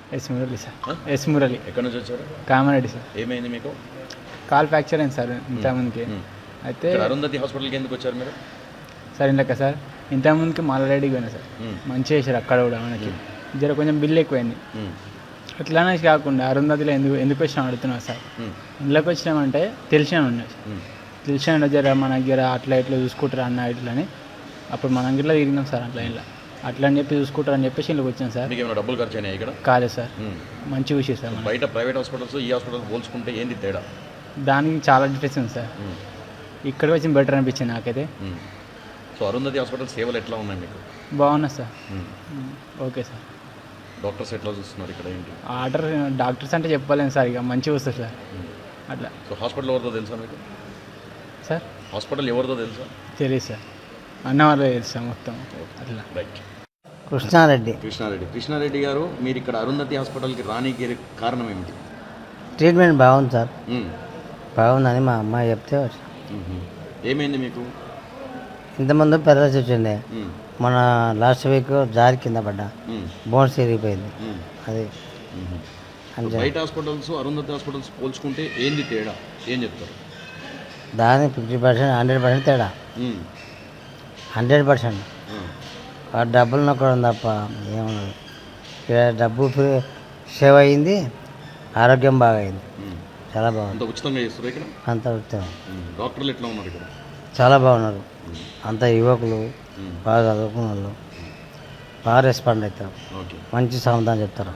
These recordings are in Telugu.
Yes Murali sir. S Murali. ఎక్కడి నుంచి వచ్చారు? కామారెడ్డి సార్. ఏమైంది మీకు? కాల్ ఫ్రాక్చర్ అయింది సార్ ఇంతకుముందుకి. అయితే అరుంధతి హాస్పిటల్కి ఎందుకు వచ్చారు మీరు? సార్ ఇందాక సార్ ఇంతకుముందుకి మాలారెడ్డికి పోయినా సార్, మంచిగా చేశారు అక్కడ కూడా. మనకి జర కొంచెం బిల్ ఎక్కువైంది. అట్లానే కాకుండా అరుంధతిలో ఎందుకు వచ్చినా అడుగుతున్నావు సార్. ఇంట్లోకి వచ్చినామంటే తెలిసిన ఉన్నాయి సార్, తెలిసిన జర మన దగ్గర అట్లా ఇట్లా చూసుకుంటారు అన్న ఇట్లని. అప్పుడు మనం గిట్లా తిరిగినాం సార్ అట్లా ఇలా అట్లా అని చెప్పి చూసుకుంటారు అని చెప్పేసి ఇంట్లోకి వచ్చాను సార్. మీకు ఏమైనా డబ్బులు ఖర్చు అయినాయి ఇక్కడ? కాలేదు సార్, మంచి విషయం సార్. బయట ప్రైవేట్ హాస్పిటల్స్ ఈ హాస్పిటల్స్ పోల్చుకుంటే ఏంది తేడా? దానికి చాలా డిఫరెన్స్ ఉంది సార్. ఇక్కడికి వచ్చి బెటర్ అనిపించింది నాకైతే. సో అరుంధతి హాస్పిటల్ సేవలు ఎట్లా ఉన్నాయి మీకు? బాగున్నా సార్. Okay sir. డాక్టర్స్ ఎట్లా చూస్తున్నారు ఇక్కడ? ఏంటి డాక్టర్స్ అంటే చెప్పలేము సార్, ఇక మంచిగా వస్తుంది సార్ అట్లా. సో హాస్పిటల్ ఎవరితో తెలుసా మీకు సార్? హాస్పిటల్ ఎవరితో తెలుసా? తెలియదు సార్, అన్న వాళ్ళే తెలుసు సార్ మొత్తం అట్లా. రైట్. కృష్ణారెడ్డి గారు, మీరు ఇక్కడ అరుంధతి హాస్పిటల్కి రానికి కారణం ఏమిటి? ట్రీట్మెంట్ బాగుంది సార్, బాగుందని మా అమ్మాయి చెప్తే వచ్చా. ఏమైంది మీకు? ఇంతకుముందు పెరలసి వచ్చిండే, మన లాస్ట్ వీక్ జారి కింద పడ్డా, బోన్స్ విరిగిపోయింది. అది బయట హాస్పిటల్స్ అరుంధతి హాస్పిటల్స్ పోల్చుకుంటే ఏంది తేడా? ఏం చెప్తారు? దాని 50%, 100% తేడా. 100% ఆ డబ్బులు నొక్కడం తప్ప ఏమన్నది. ఇక్కడ డబ్బు సేవ్ అయింది, ఆరోగ్యం బాగా అయింది, చాలా బాగుంది. ఉచితంగా చేస్తారు ఇక్కడ? అంత ఉచితం. డాక్టర్లు ఎట్లా ఉన్నారు ఇక్కడ? చాలా బాగున్నారు. అంత యువకులు, బాగా చదువుకున్న వాళ్ళు, బాగా రెస్పాండ్ అవుతారు, మంచి సమాధానం చెప్తారు.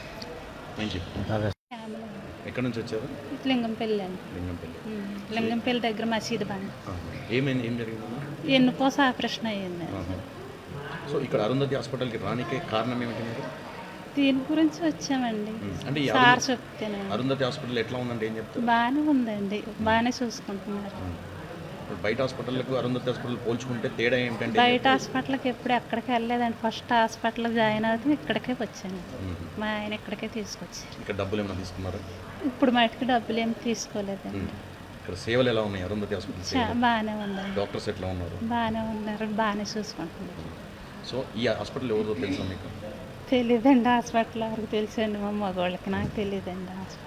ఎక్కడి నుంచి వచ్చారు? లింగంపల్లి అండి. లింగంపల్లి దగ్గర మసీదు బండి. ఏమైంది? ఏం జరిగింది? ఎన్నుకోస ఆపరేషన్ అయ్యింది. సో ఇక్కడ అరుంధతి హాస్పిటల్కి రానికే కారణం ఏమిటి? మీరు దీని గురించి వచ్చామండి. అంటే సార్ చెప్తేనే. అరుంధతి హాస్పిటల్ ఎట్లా ఉందంటే ఏం చెప్తారు? బాగానే ఉందండి, బాగానే చూసుకుంటున్నారు. బయట హాస్పిటల్కు అరుంధతి హాస్పిటల్ పోల్చుకుంటే తేడా ఏమిటంటే? బయట హాస్పిటల్కి ఎప్పుడు ఎక్కడికి వెళ్ళలేదండి. ఫస్ట్ హాస్పిటల్ జాయిన్ అవుతుంది ఇక్కడికే వచ్చాను. మా ఆయన ఇక్కడికే తీసుకొచ్చారు. ఇక్కడ డబ్బులు ఏమైనా తీసుకున్నారా? ఇప్పుడు మటుకు డబ్బులు ఏమి తీసుకోలేదండి. ఇక్కడ సేవలు ఎలా ఉన్నాయి అరుంధతి హాస్పిటల్? బాగానే ఉందండి. డాక్టర్స్ ఎట్లా ఉన్నారు? బాగానే ఉన్నారు, బాగానే చూసుకుంటున్నారు. సో ఈ హాస్పిటల్ ఎవరితో తెలుసా మీకు? తెలీదండి, హాస్పిటల్ వరకు తెలుసండి మా మగవాళ్ళకి, నాకు తెలియదండి హాస్పిటల్.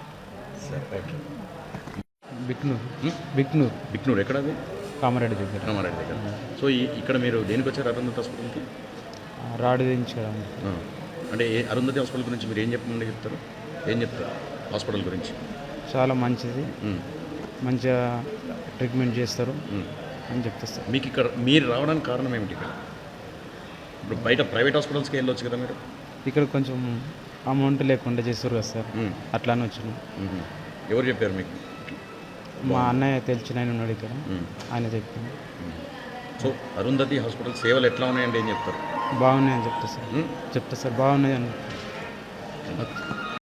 బిక్నూర్ ఎక్కడ? అది కామారెడ్డి దగ్గర. కామారెడ్డి దగ్గర. సో ఇక్కడ మీరు దేనికి వచ్చారు అరుంధతి హాస్పిటల్కి? రాడు దించుకోవడానికి. అంటే అరుంధతి హాస్పిటల్ గురించి మీరు ఏం చెప్తారు? ఏం చెప్తారు హాస్పిటల్ గురించి? చాలా మంచిది, మంచిగా ట్రీట్మెంట్ చేస్తారు అని చెప్తారు సార్. మీకు ఇక్కడ మీరు రావడానికి కారణం ఏమిటి? ఇక్కడ ఇప్పుడు బయట ప్రైవేట్ హాస్పిటల్స్కి వెళ్ళొచ్చు కదా మీరు? ఇక్కడ కొంచెం అమౌంట్ లేకుండా చేస్తారు కదా సార్, అట్లానే వచ్చినాం. ఎవరు చెప్పారు మీకు? మా అన్నయ్య తెలిసిన ఆయన ఉన్నాడు ఇక్కడ, ఆయన చెప్తాను. సో అరుంధతి హాస్పిటల్ సేవలు ఎట్లా ఉన్నాయంటే ఏం చెప్తారు? బాగున్నాయని చెప్తా సార్. బాగున్నాయి అని.